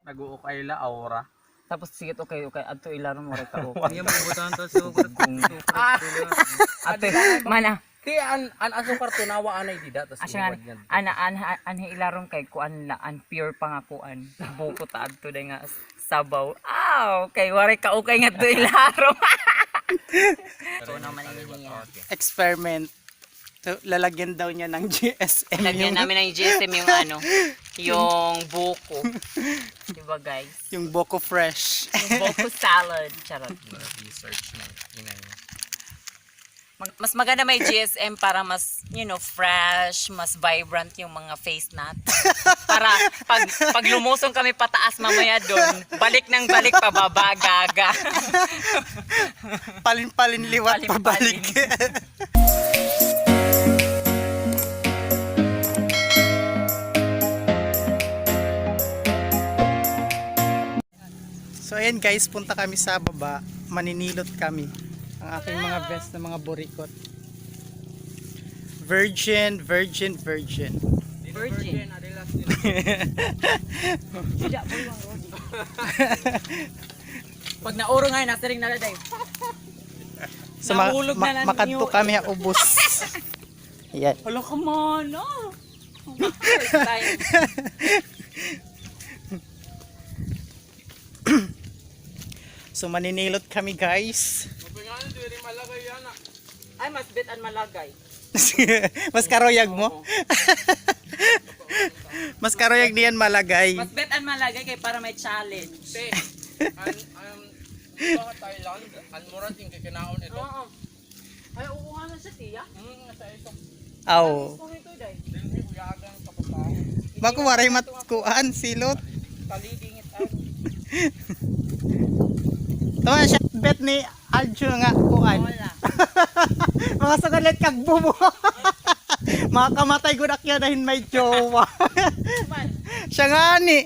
Nag-uukay la aura. Tapos sige okay adto ilaron mo ka okay. Iya mabutan to so Ate mana Ti an asukar tunawa anay dida tas asya ana ilaron kay kuan la an pure pangakuan. Buko ta adto day nga sabaw. Kay wari ka okay nga adto ilaron. So naman niya. Experiment. So, lalagyan daw niya ng GSM. Lagyan namin ng GSM yung ano, yung buko. Diba guys? Yung Boko Fresh. Yung buko salad. Charot. Research na inay. Mas maganda may GSM para mas, fresh, mas vibrant yung mga face natin. Para pag lumusong kami pataas mamaya doon, balik ng balik pababa, gaga. Palin-palin liwat Palin-palin. pabalik. So ayan guys, punta kami sa baba, maninilot kami. Ang aking mga best na mga burikot. Virgin. Virgin. Pag nauro nga yun, nasa ring naladay. So Nahulog na lang makadto yung- kami ubos. Ayan. Wala ka man, First time. So maninilot kami guys. Ay, mas bit an malagay. Mas karoyag mo? Mas karoyag niyan malagay. Mas bet an malagay kay para may challenge. Te, baka Thailand, an murat yung kikinaon ito. Oo. Ay, uuha na siya, tiya. Sa ito. Aw. Kung ito, day. Dili uyagang kapatao. Makuwaray matkuan silot. Talidingit ay. Tama siya bet ni Aljo nga kuan. Wala. Mga sagalit kag bumo. Makakamatay gud akya dahil may jowa. Man. Siya nga ni.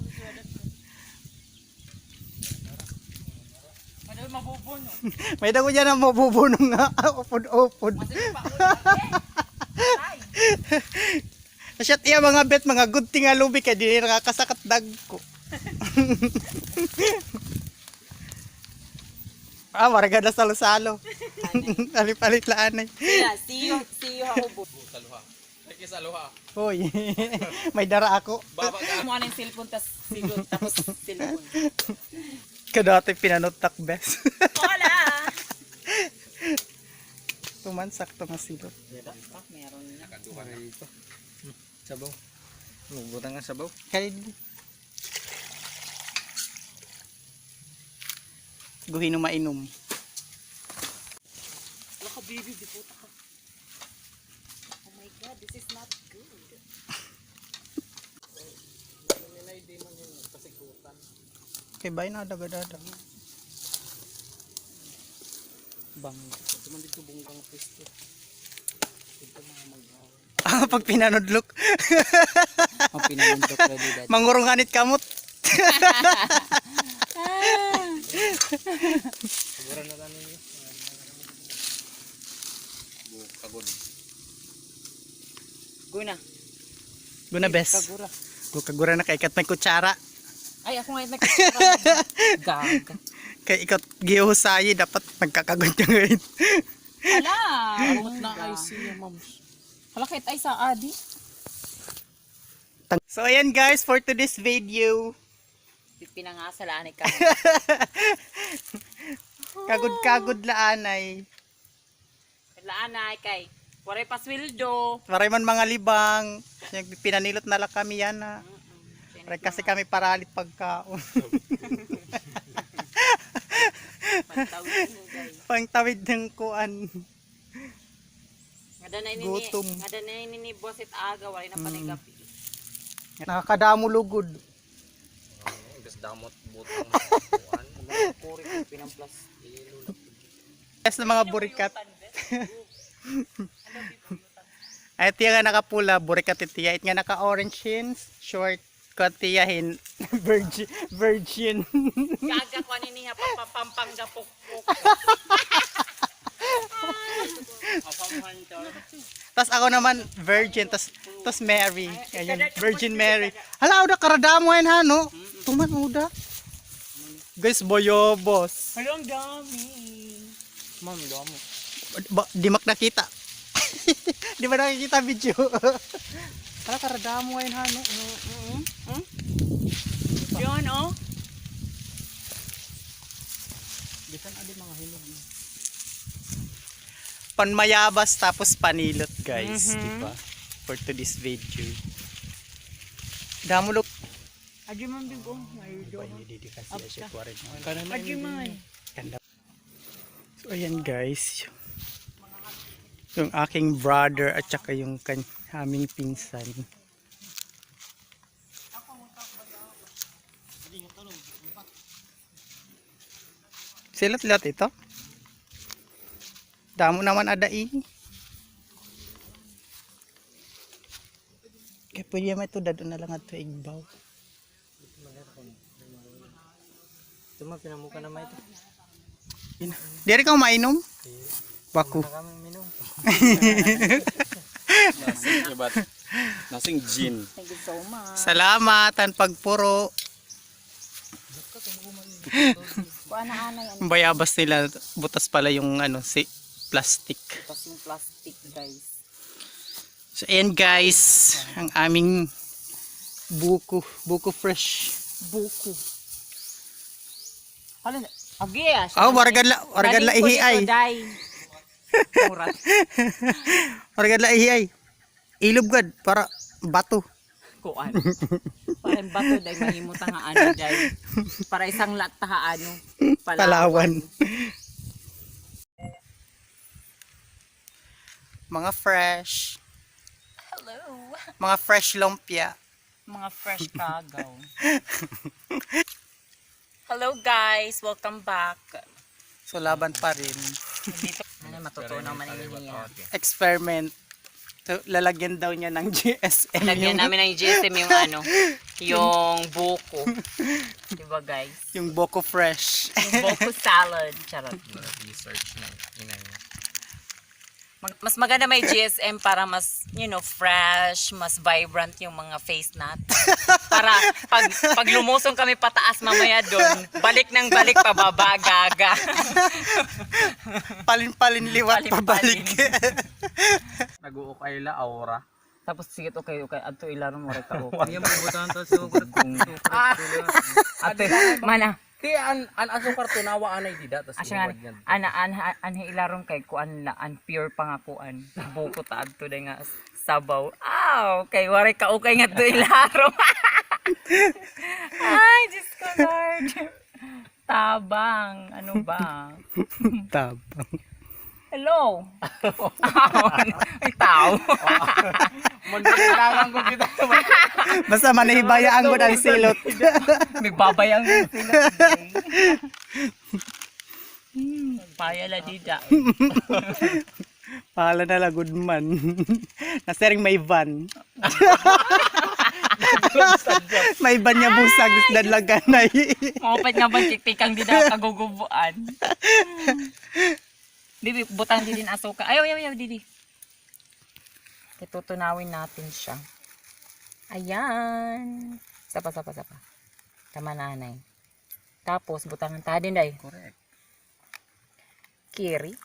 Madal mabubuno. May dago dyan ang mabubunong nga. Upod-upod. Masaya pa ulit. Ay. Siya tiya mga bet, mga good thing nga lubi kaya di nakakasakat dagko. Waraga na salo-salo. Palit-palit laan eh. Sila, see you ako. Saluha. Lagi saluha. Hoy, may dara ako. Baba ka. Kumuha ng cellphone, tapos cellphone. Kadati pinanotak best. Wala. Tumansak to nga silot. Meron na. Kaduha na ito. Sabaw. Butang nga sabaw. Kaya guhin mainom. Wala ka, baby, di puta ka. Oh my God, this is not good. Kay bay na daga-daga. Bang. Tuman dito bungkang pwesto. Ito mga mag-aw. Pag pinanudlok. Ang pinanundok ready dad. Mangurunganit kamot. Siguro na lang ninyo. Kagod. Guna. Guna best. Kagura. Kagura na kay ikat may kutsara. Ay, ako ngayon nagkakara. Gaga. Kay ikat gihusayi dapat nagkakagod ka ngayon. Hala. Amot na ay siya moms. Hala, kahit ay sa adi. So ayan guys, for today's video. Pinangasalaan ka. Kagod-kagod laanay. Laanay kay. Waray paswildo. Maray man mga libang. Pinanilot na lang kami yan na. Maray kasi kami paralit pagkaon. Pagtawid mo guys. Pangtawid ng kuan. Gutom. Ngada na ini bosit aga waray na panigapi. Nakakadamo lugod. Imbes damot butang kuan. Puri pinamplas. Yes na mga burikat. Ay tiya nga nakapula, burikat itiya. It nga naka-orange jeans, short, katiyahin, virgin. Gaga ko ani niya pampampang gapok. Tas ako naman virgin, tas Mary. Ayan, Virgin Mary. Hala, udah karadamo yan ha, no? Bato man, uda. Guys, boyobos. Ang dami. Ma'am, damo. Di mak nakita. Di ba nakikita video? Para karadamo ngayon, hano. Yun, oh. Bisan adi mga hinog. Panmayabas tapos panilot, guys. Di ba? For today's video. Damo look. Adi man bigo. Diba, hindi kasi siya kuwarin. Adi man. So, ayan guys. Yung aking brother at saka yung aming pinsan. Silat-lat ito. Damo naman adai. Kaya pwede naman ito dadon na lang at igbaw. Ito man, pinamuka naman ito. Dari ka mainom? Baku. Na kami minum. Nasing gin. Thank you so much. Salamat ang pagpuro. Kuha na anay. Ang bayabas nila, butas pala yung si plastic. Tapos yung plastic, guys. So ayan guys, ang aming buko fresh. Buko. Ano na? Agi ah. Wargan la ihi ay. Murat. Wargan la ihi ay. Ilob gad para bato. Kuan. Para yung bato dahil mahimutang nga ano dahil. Para isang lat ha ano. Palawan. Mga fresh. Hello. Mga fresh lumpia. Mga fresh kagaw. Hello guys, welcome back. So laban pa rin. Dito ano matutunan man niya. Experiment. So, lalagyan daw niya ng GSM. Lagyan namin ng GSM yung ano, yung buko. Diba guys? Yung Boko Fresh. Yung buko salad. Charot. Research ng inay. Mas maganda may GSM para mas, fresh, mas vibrant yung mga face natin. Para pag lumusong kami pataas mamaya doon, balik ng balik pababa, gaga. Palin-palin liwat Palin-palin. pabalik. Nag-uukay la aura. Tapos sige okay, adto ilaro mo reka okay. Iya mabutan to sukar. Ate, mana? Ti an asukar to nawa anay dida tas. Asya anhe ilarom kay kuan la an pure pangakuan. Buko ta adto day nga sabaw. Kay wari ka okay nga to ilarom. Ay, Diyos ko Lord. Tabang, ano ba? Tabang. Hello. Ay, tao. Magkailangan ko kita. Basta manahibayaan ko ng silot. May babayang sila. Payala dida. Pahala na lang, good man. Nasering may van. May van niya busag, dadlaganay. Mapapit nga ba tiktikang dida kagugubuan. Bibi, butang din asuka. Ayaw, didi. Itutunawin natin siya. Ayan. Sapa. Tama nanay. Tapos, butangan tayo din day. Correct. Kiri.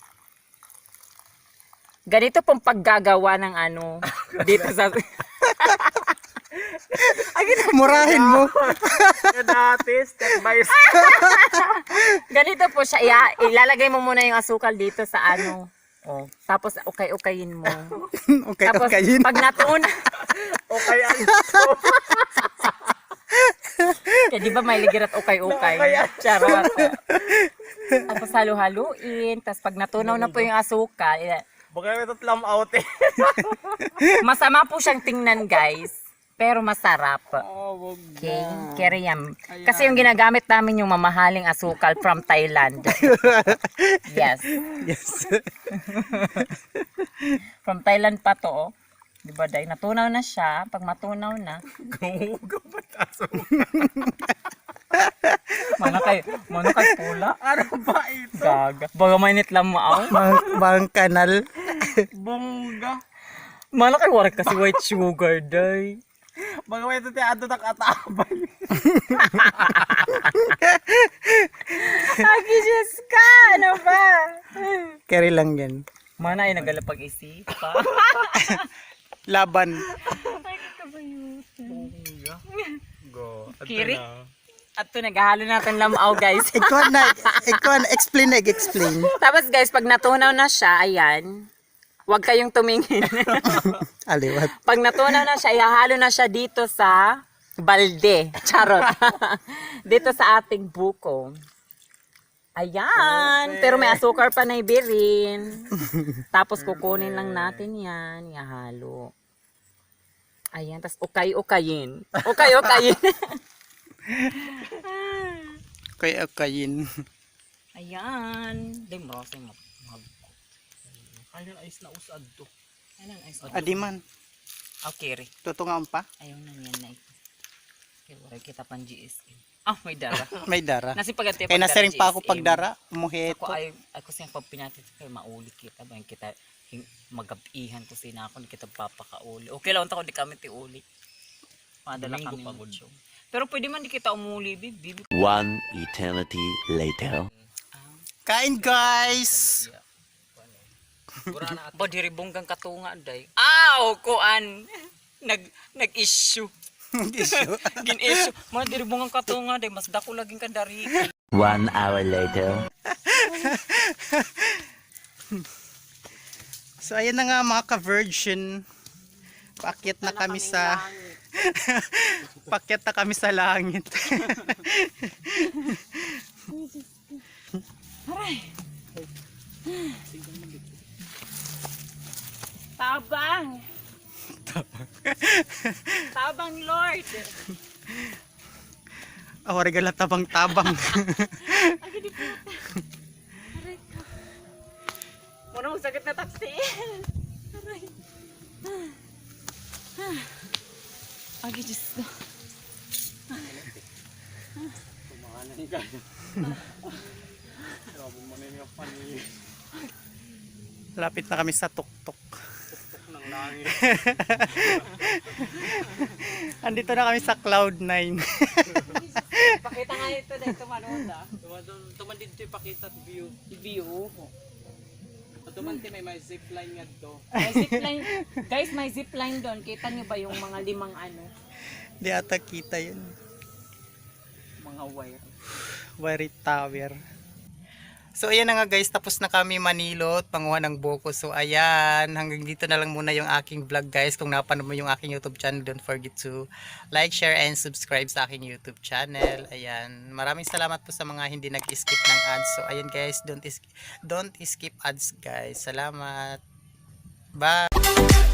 Ganito pong paggagawa ng ano, dito sa... Murahin mo. Dati step by step. Ganito po siya. Ilalagay mo muna yung asukal dito sa ano. Oh. Tapos, okay-okayin mo. Tapos, Okay. pag natuon, Okay an. kaya di ba may ligirat okay-okay? Charot. Tapos halo-haluin. Tapos pag natunaw na po yung asukal, Baka may tatlam out eh. masama po siyang tingnan guys. Pero masarap. Oh, wag. Okay? Keriyam. Kasi yung ginagamit namin yung mamahaling asukal from Thailand. Yes. Yes. From Thailand pa to. Oh. Diba dahil natunaw na siya. Pag matunaw na. Gumuga pa taso. Mana kay pula. Ano ba ito? Gaga. Baga mainit lang mo ako. Bang kanal. Bongga. Mana kay warak kasi white sugar day. Magawin ito tiya ato nakatabay. Agi, Diyos ka! Ano ba? Carry lang yan. Mana ay nagalapag-isip pa. Laban. Go. Kiri? At to naghahalo natin lamaw, guys. Ikaw na, explain. Tapos guys, pag natunaw na siya, ayan, huwag kayong tumingin. Aliwat. Pag natunaw na siya, ihahalo na siya dito sa balde. Charot. Dito sa ating buko. Ayan. Pero may asukar pa na ibirin. Tapos kukunin lang natin yan. Ihahalo. Ayan. Tapos ukay-ukayin. Ukay-ukayin. Kayin. Ayan. Di mo rasa yung Kaya na is na usad to. Ayan, ayos. Adiman. Okay, Ri. Tutungan pa. Ayaw na yan na ito. Kaya wala kita pang GSM. Ah, may dara. May dara. Nasi pagati Kaya nasa rin pa ako pagdara. Umuhit. Ako siyang pagpinatit kaya mauli kita ba kita magabihan ko sina ako kita papakauli. Okay lang ako di kami ti uli. Madala kami pagod. Pero pwede man di kita umuli bibi. One eternity later. Kain guys! Ba diri bonggang katunga day. Aw kuan. Nag-issue. Gin-issue. Mga diri bonggang katunga day mas dako laging kadari. 1 hour later. So ayan na nga mga ka-virgin. Paakyat na kami sa paakyat na kami sa langit. Tabang. Tabang Lord. Oh, regala tabang-tabang. Agi di puta. Aray ko. Muna sakit na taksi. Aray. Agi Diyos ko. Kumana ni kaya. Grabe mo na yung pani. Lapit na kami sa tuktok. Nang langit. Andito na kami sa Cloud9. Pakita nga ito dahil tumanood ah. Tuman dito ipakita view. View. Tuman may zipline nga to. May zipline. Guys, may zipline doon. Kita niyo ba yung mga limang ano? Di ata kita yun. Mga wire. Wire tower. So ayan na nga guys, tapos na kami manilot, panguha ng buko. So ayan, hanggang dito na lang muna yung aking vlog guys. Kung napanood mo yung aking YouTube channel, don't forget to like, share, and subscribe sa aking YouTube channel. Ayan, maraming salamat po sa mga hindi nag-skip ng ads. So ayan guys, don't skip ads guys. Salamat. Bye!